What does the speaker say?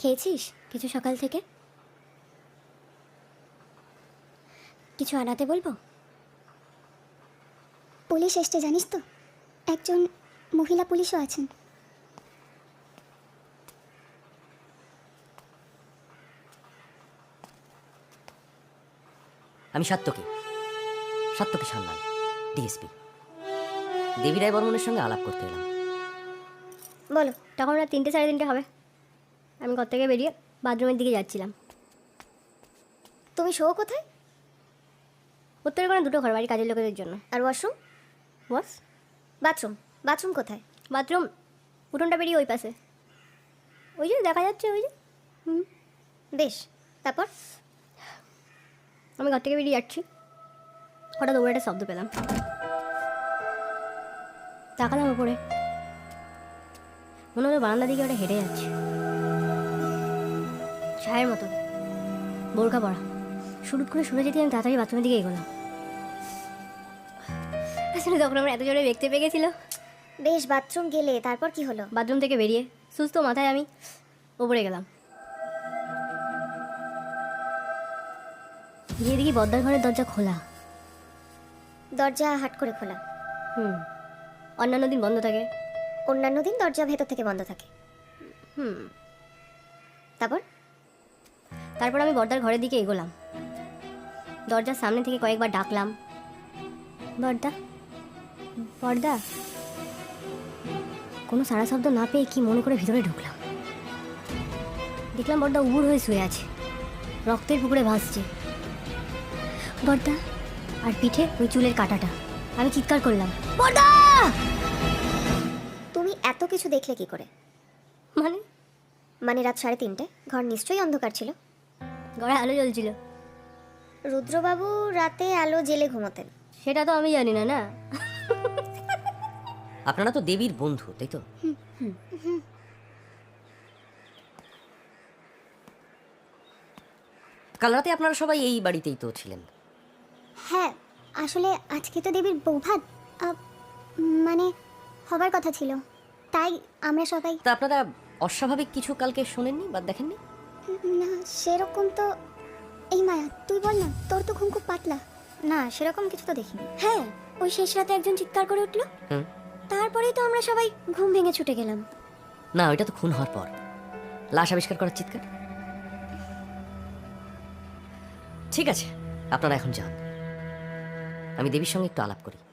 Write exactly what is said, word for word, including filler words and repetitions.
খেয়েছিস কিছু সকাল থেকে? কিছু আনাতে বলবো? পুলিশ এসছে জানিস তো, একজন মহিলা পুলিশও আছেন। আমি সাত্তকী সাত্তকী সান্যাল, ডিএসপি। দেবী রায় বর্মনের সঙ্গে আলাপ করতে এলাম। বলো। তখন রাত তিনটে সাড়ে তিনটে হবে। আমি ঘর থেকে বেরিয়ে বাথরুমের দিকে যাচ্ছিলাম। তুমি শো কোথায়? উত্তরে কোনো দুটো ঘর বাড়ি কাজের লোকেদের জন্য। আর ওয়াশরুম? Boss bathroom? বাথরুম কোথায়? বাথরুম উঠোনটা বেরিয়ে ওই পাশে, ওই যে দেখা যাচ্ছে ওই যে। হুম, বেশ, তারপর? আমি ঘর থেকে বেরিয়ে যাচ্ছি, হঠাৎ ওপরে একটা শব্দ পেলাম। তাকালাম ওপরে, মনে হলো বারান্দা দিকে ওটা হেঁটে যাচ্ছে, ছায়ের মতো, বোরকা পরা। শুরু করে শুনে যেতে আমি তাড়াতাড়ি বাথরুমের দিকে এগোলাম। আসলে তখন আমার এত জোরে দেখতে পেয়ে গেছিল। বেশ, বাথরুম গেলে তারপর কি হলো? বাথরুম থেকে বেরিয়ে সুস্থ মাথায় আমি ওপরে গেলাম। গিয়ে দেখি বদ্দার ঘরের দরজা খোলা। দরজা হাট করে খোলা? হুম, অন্যান্য দিন বন্ধ থাকে। অন্যান্য দিন দরজা ভেতর থেকে বন্ধ থাকে? হুম। তারপর? তারপর আমি বর্দার ঘরের দিকে এগোলাম। দরজার সামনে থেকে কয়েকবার ডাকলাম, বর্দা বর্দা। কোনো সাড়া শব্দ না পেয়ে কি মনে করে ভিতরে ঢুকলাম। দেখলাম বর্দা উবুড় হয়ে শুয়ে আছে, রক্তের পুকুরে ভাসছে বর্দা, আর পিঠে ওই চুলের কাঁটাটা। আমি চিৎকার করলাম, বর্দা! তুমি এত কিছু দেখলে কি করে? মানে মানে রাত সাড়ে তিনটে, ঘর নিশ্চয়ই অন্ধকার ছিল। ঘরে আলো জ্বলছিল। রুদ্রবাবু রাতে আলো জেলে ঘুমোতেন। সেটা তো আমি জানি না। না, আপনারা তো দেবীর বন্ধু, তাই তো? কাল রাতে আপনারা সবাই এই বাড়িতেই তো ছিলেন। হ্যাঁ, আসলে আজকে তো দেবীর বৌভাত, আহ, মানে হবার কথা ছিল, তাই আমরা সবাই। তা আপনারা অস্বাভাবিক কিছু কালকে শোনেননি বা দেখেননি? না, সেরকম তো। এই মায়া, তুই বল না, তোর তো ঘুম খুব পাতলা। না, সেরকম কিছু তো দেখিনি। হ্যাঁ, ওই শেষ রাতে একজন চিৎকার করে উঠলো, হুম। তারপরেই তো আমরা সবাই ঘুম ভেঙে ছুটে গেলাম। না, ওইটা তো খুন হওয়ার পর লাশ আবিষ্কার করার চিৎকার। ঠিক আছে, আপনারা এখন যান, আমি দেবীর সঙ্গে একটু আলাপ করি।